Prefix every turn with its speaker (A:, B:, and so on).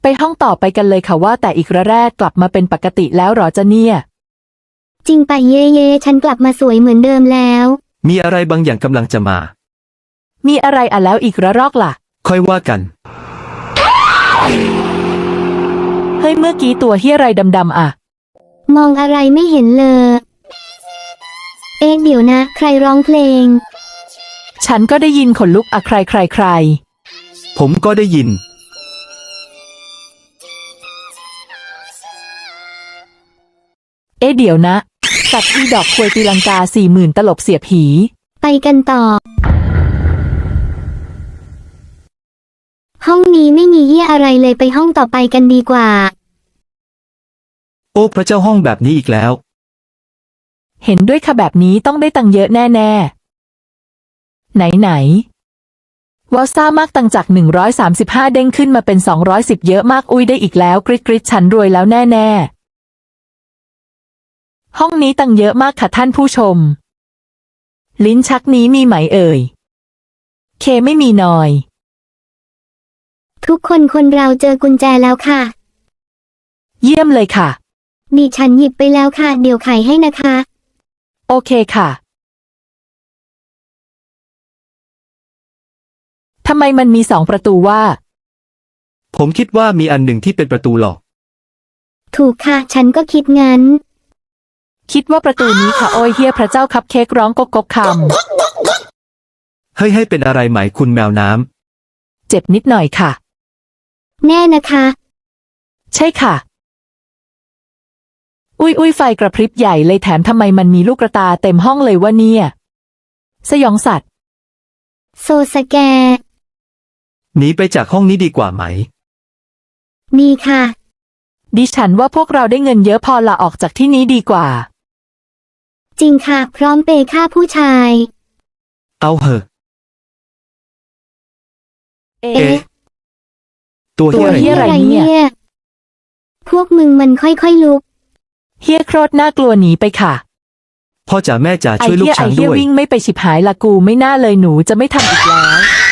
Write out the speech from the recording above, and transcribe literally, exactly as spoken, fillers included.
A: ไปห้องต่อไปกันเลยค่ะว่าแต่อีกระแรกกลับมาเป็นปกติแล้วหรอจ๊ะเนี่ย
B: จริงไปเย่เย่ฉันกลับมาสวยเหมือนเดิมแล้ว
C: มีอะไรบางอย่างกำลังจะมา
A: มีอะไรอ่ะแล้วอีกระรอกล่ะ
C: ค่อยว่ากัน
A: เฮ้ยเมื่อกี้ตัวเหี้ยอะไรดำๆอ่ะ
B: มองอะไรไม่เห็นเลยเอ๊ะเดี๋ยวนะใครร้องเพลง
A: ฉันก็ได้ยินขนลุกอะใครใครใคร
C: ผมก็ได้ยิน
A: เอ๊ะเดี๋ยวนะสัตว์อีดอกควยตีลังกาสี่หมื่นตลบเสียผี
B: ไปกันต่อห้องนี้ไม่มีเหี้ยอะไรเลยไปห้องต่อไปกันดีกว่า
C: โอ้พระเจ้าห้องแบบนี้อีกแล้ว
A: เห็นด้วยค่ะแบบนี้ต้องได้ตังเยอะแน่ๆไหนไหนว้าวซ่ามากตังจากหนึ่งร้อยสามสิบห้าเด้งขึ้นมาเป็นสองร้อยสิบเยอะมากอุ้ยได้อีกแล้วกริ๊ดกริ๊ดฉันรวยแล้วแน่ๆห้องนี้ตังเยอะมากค่ะท่านผู้ชมลิ้นชักนี้มีไหมเอ่ยเคไม่มีนอย
B: ทุกคนคนเราเจอกุญแจแล้วค่ะ
A: เยี่ยมเลยค่ะ
B: ดิฉันหยิบไปแล้วค่ะเดี๋ยวไขให้นะคะ
A: โอเคค่ะทำไมมันมีสองประตูว่า
C: ผมคิดว่ามีอันหนึ่งที่เป็นประตูหลอก
B: ถูกค่ะฉันก็คิดงั้น
A: คิดว่าประตูนี้ค่ะโอ้ยเฮียพระเจ้าคัพเค้กร้องกกกกค
C: ำเฮ้ยให้เป็นอะไรไหมคุณแมวน้
A: ำเจ็บนิดหน่อยค่ะ
B: แน่นะคะ
A: ใช่ค่ะอุ้ยอุ้ยไฟกระพริบใหญ่เลยแถมทำไมมันมีลูกกระตาเต็มห้องเลยวะเนี่ยสยองสัตว์
B: โซสแก
C: หนีไปจากห้องนี้ดีกว่าไหม
B: มีค่ะ
A: ดิฉันว่าพวกเราได้เงินเยอะพอลาออกจากที่นี้ดีกว่า
B: จริงค่ะพร้อมเปย์ค่าผู้ชาย
C: เอาเหอะ
A: เอ๊ะ
C: ตัวเฮีย
A: อะไรเนี่ย
B: พวกมึงมันค่อยๆลุก
A: เฮียโคตรน่ากลัวหนีไปค่ะ
C: พ่อจ๋าแม่จ๋าช่วยลูกฉันด้วย
A: ไอ้เฮียวิ่งไม่ไปฉิบหายละกูไม่น่าเลยหนูจะไม่ทำอีกแล้ว